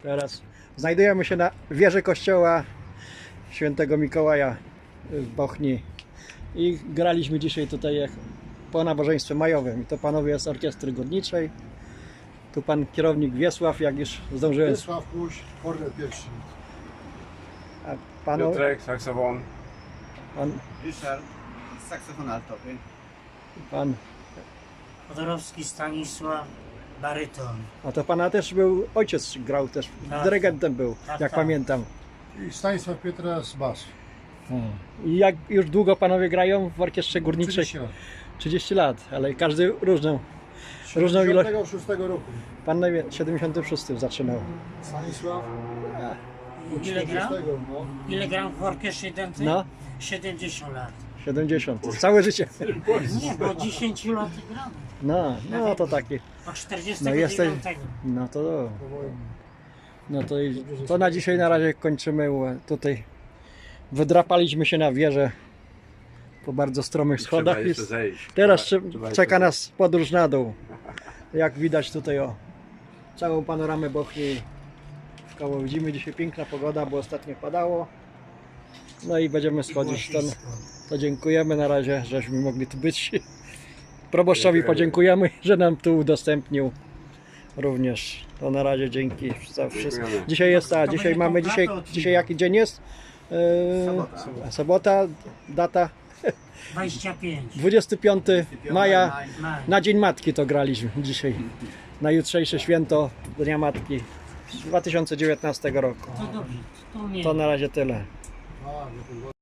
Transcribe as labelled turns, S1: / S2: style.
S1: Teraz znajdujemy się na wieży kościoła Świętego Mikołaja w Bochni i graliśmy dzisiaj tutaj po nabożeństwie majowym. I to panowie z orkiestry górniczej. Tu pan kierownik Wiesław, jak już zdążyłem.
S2: Wiesław Kuś, kornet pierwszy.
S1: A panu,
S3: Piotrek, saksofon.
S1: pan,
S4: Ryszard, saksofon altowy.
S1: pan,
S5: Podorowski Stanisław, baryton.
S1: a to pana też był, ojciec grał też,
S5: Tak.
S1: dyrygentem był,
S5: Tak,
S1: jak
S5: tak.
S1: pamiętam.
S2: I Stanisław Pietras, bas.
S1: I jak już długo panowie grają w orkiestrze górniczej?
S2: 30 lat.
S1: 30 lat, ale każdy różną ilość.
S2: 76 roku.
S1: Pan 76 zaczynał.
S2: Stanisław.
S5: Ile gram?
S2: 40, no.
S5: Ile gram w orkiestrze dętej?
S1: No,
S5: 70 lat.
S1: 70. Całe życie.
S5: Nie, bo 10 lat gram.
S1: No to taki.
S5: Od 49.
S1: No jesteś. No to. To na dzisiaj na razie kończymy. Tutaj wydrapaliśmy się na wieżę po bardzo stromych schodach.
S3: Trzeba jeszcze zejść.
S1: Teraz
S3: Trzeba
S1: czeka
S3: jeszcze
S1: nas podróż na dół. Jak widać tutaj całą panoramę Bochni. Koło widzimy dzisiaj piękna pogoda, bo ostatnio padało. No i będziemy schodzić stąd. To dziękujemy na razie, żeśmy mogli tu być. Proboszczowi podziękujemy, że nam tu udostępnił również. To na razie dzięki za wszystko.
S3: Dziękujemy.
S1: Dzisiaj jest dzisiaj mamy dzisiaj jaki dzień jest? Sobota, data
S5: 25.
S1: 25 maja.
S5: Maj.
S1: Na Dzień Matki to graliśmy dzisiaj. Na jutrzejsze święto Dnia Matki 2019 roku.
S5: To dobrze. To nie.
S1: To na razie tyle.
S2: A, no to